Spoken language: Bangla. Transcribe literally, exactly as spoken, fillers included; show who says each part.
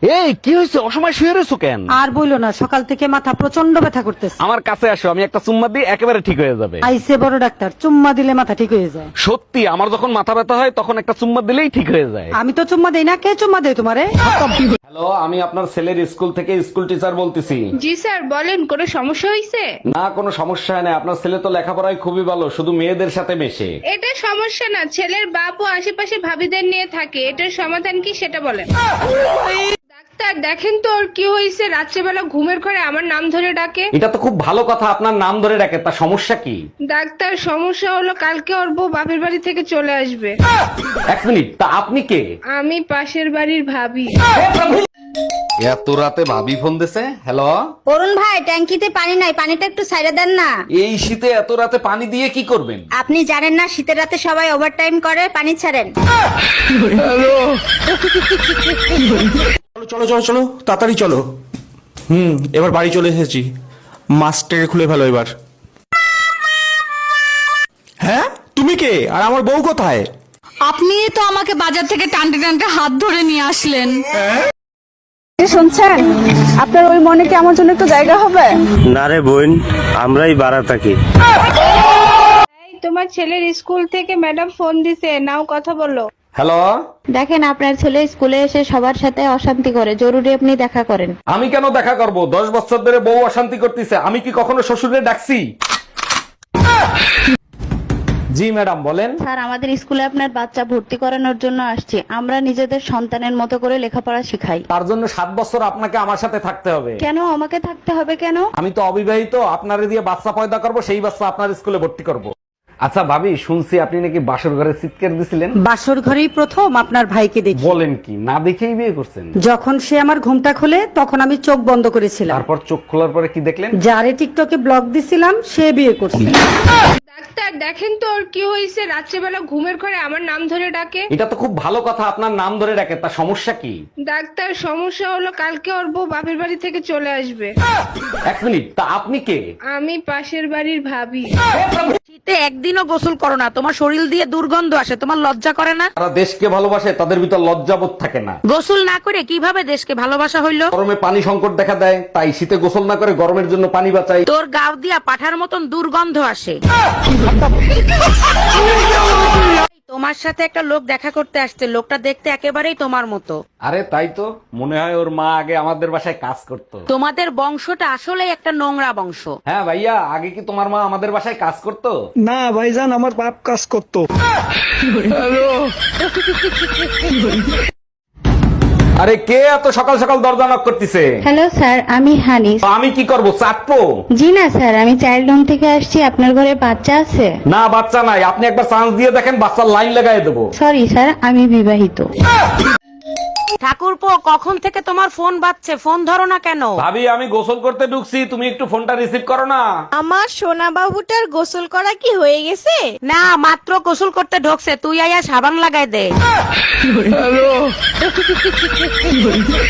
Speaker 1: এই কি হয়েছে, অসময় শুয়ে রয়েছো কেন?
Speaker 2: আর বইলো না, সকাল থেকে মাথা প্রচন্ড ব্যথা করতেছে।
Speaker 1: আমার কাছে আসো, আমি একটা চুম্মা দিই, একেবারে ঠিক হয়ে যাবে।
Speaker 2: আইসে বড় ডাক্তার, চুম্মা দিলে মাথা ঠিক হয়ে যায়।
Speaker 1: সত্যি, আমার যখন মাথা ব্যথা হয় তখন একটা চুম্মা দিলেই ঠিক হয়ে যায়।
Speaker 2: আমি তো চুম্মা দেই না, কে চুম্মা দেয় তোমারে?
Speaker 1: হ্যালো, আমি আপনার ছেলের স্কুল থেকে স্কুল টিচার বলতেছি।
Speaker 3: জি স্যার বলেন, কোনো সমস্যা হয়েছে?
Speaker 1: না, কোনো সমস্যা নেই, আপনার ছেলে তো লেখাপড়ায় খুবই ভালো, শুধু মেয়েদের সাথে মেশে।
Speaker 3: এটা সমস্যা না, ছেলের বাপ ও আশেপাশে ভাবিদের নিয়ে থাকে, এটার সমাধান কি সেটা বলেন। ডাক্তার দেখেন তো ওর কি হয়েছে, রাত্রেবেলা ঘুমের ঘরে আমার নাম ধরে ডাকে।
Speaker 1: এটা তো খুব ভালো কথা, আপনার নাম ধরে ডাকে, তা সমস্যা কি?
Speaker 3: ডাক্তার সমস্যা হলো কালকে ওর বউ বাপের বাড়ি থেকে চলে আসবে।
Speaker 1: এক মিনিট, তা আপনি কে?
Speaker 3: আমি পাশের বাড়ির ভাবি।
Speaker 1: এত রাতে ভাবি ফোন দিছে। হ্যালো,
Speaker 4: অরুণ ভাই, ট্যাঙ্কিতে পানি নাই, পানিটা একটু সাইডে দেন না।
Speaker 1: এই শীতে এত রাতে পানি দিয়ে কি করবেন?
Speaker 4: আপনি জানেন না শীতের রাতে সবাই ওভারটাইম করে, পানি ছাড়েন।
Speaker 5: চলো চলো চলো তাড়াতাড়ি চলো। হুম, এবার বাড়ি চলে এসেছি। মাস্টার খুলে ফেলো এবার। হ্যাঁ, তুমি কে আর আমার বউ কোথায়?
Speaker 6: আপনি তো আমাকে বাজার থেকে টানতে টানতে হাত ধরে নিয়ে আসলেন।
Speaker 7: শুনছেন, আপনার ওই মনে কি আমার জন্য একটু জায়গা হবে?
Speaker 8: না রে বোন, আমরাই বাড়া থাকি।
Speaker 3: এই, তোমার ছেলের স্কুল থেকে ম্যাডাম ফোন দিছে, নাও কথা বলো।
Speaker 1: হ্যালো।
Speaker 4: দেখেন, আপনার ছেলে স্কুলে এসে সবার সাথে অশান্তি করে, জরুরি আপনি দেখা করেন।
Speaker 1: আমি কেন দেখা করব? দশ বছর ধরে বউ অশান্তি করতেছে, আমি কি কখনো শ্বশুরে ডাকছি? জি ম্যাডাম বলেন।
Speaker 4: স্যার, আমাদের স্কুলে আপনার বাচ্চা ভর্তি করানোর জন্য আসছি। আমরা নিজেদের সন্তানের মতো করে লেখাপড়া শিখাই।
Speaker 1: তার জন্য সাত বছর আপনাকে আমার সাথে থাকতে হবে।
Speaker 4: কেন আমাকে থাকতে হবে কেন?
Speaker 1: আমি তো অবিবাহিত, আপনারে দিয়ে বাচ্চা পয়দা করব, সেই বাচ্চা আপনার স্কুলে ভর্তি করব। আচ্ছা ভাবি, শুনছি আপনি নাকি বাসর ঘরে চিৎকার দিছিলেন।
Speaker 2: বাসর ঘরেই প্রথম আপনার ভাইকে দেখি।
Speaker 1: বলেন কি, না দেখেই বিয়ে করছেন?
Speaker 2: যখন সে আমার ঘুমটা খোলে তখন আমি চোখ বন্ধ করেছিলাম।
Speaker 1: তারপর চোখ খোলার পরে কি দেখলেন?
Speaker 2: যারে টিকটকে ব্লক দিছিলাম সে বিয়ে করছে।
Speaker 3: ডাক্তার দেখেন তো ওর কি হয়েছে, রাত্রেবেলা ঘুমের ঘরে আমার নাম ধরে ডাকে।
Speaker 1: এটা তো খুব ভালো কথা, আপনার নাম ধরে ডাকে, তা সমস্যা কি?
Speaker 3: ডাক্তার সমস্যা হলো কালকে ওর বউ বাপের বাড়ি থেকে চলে আসবে।
Speaker 1: এক মিনিট, তা আপনি কে?
Speaker 3: আমি পাশের বাড়ির ভাবি।
Speaker 2: শীতে একদিনও গোসল করো না, তোমার শরীর দিয়ে দুর্গন্ধ আসে, তোমার লজ্জা করে না?
Speaker 1: যারা দেশকে ভালোবাসে তাদের ভিতর লজ্জাবোধ থাকে না।
Speaker 2: গোসল না করে কিভাবে দেশকে ভালোবাসা হইলো?
Speaker 1: গরমে পানি সংকট দেখা দেয়, তাই শীতে গোসল না করে গরমের জন্য পানি বাঁচাই।
Speaker 2: তোর গাও দিয়া পাঠার মতন দুর্গন্ধ আসে। তোমার সাথে একটা লোক দেখা করতে আসছে, লোকটা দেখতে একেবারেই তোমার মতো।
Speaker 1: আরে তাই তো, মনে হয় ওর মা আগে আমাদের বাসায় কাজ করতো।
Speaker 2: তোমাদের বংশটা আসলে একটা নোংরা বংশ।
Speaker 1: হ্যাঁ ভাইয়া, আগে কি তোমার মা আমাদের বাসায় কাজ করতো?
Speaker 5: না ভাইজান, আমার বাপ কাজ করতো।
Speaker 1: আরে কে এত সকাল সকাল দরজা নক করতেছে?
Speaker 4: হ্যালো স্যার, আমি হানিস।
Speaker 1: আমি কি করব, চাটবো?
Speaker 4: জি না স্যার, আমি চাইল্ড হোম থেকে আসছি। আপনার ঘরে বাচ্চা আছে?
Speaker 1: না, বাচ্চা নাই, আপনি একবার চান্স দিয়ে দেখেন, বাচ্চার লাইন লাগাই দেবো।
Speaker 4: সরি স্যার, আমি বিবাহিত।
Speaker 2: ঠাকুরপো, কখন থেকে তোমার ফোন বাজছে, ফোন ধরো না কেন?
Speaker 1: ভাবি, আমি গোসল করতে ঢুকছি, তুমি একটু ফোনটা রিসিভ করো না।
Speaker 7: আমার সোনা বাবুটার গোসল করা কি হয়ে গেছে?
Speaker 2: না, মাত্র গোসল করতে ঢোকছে, তুই আয়া সাবান লাগাই দে।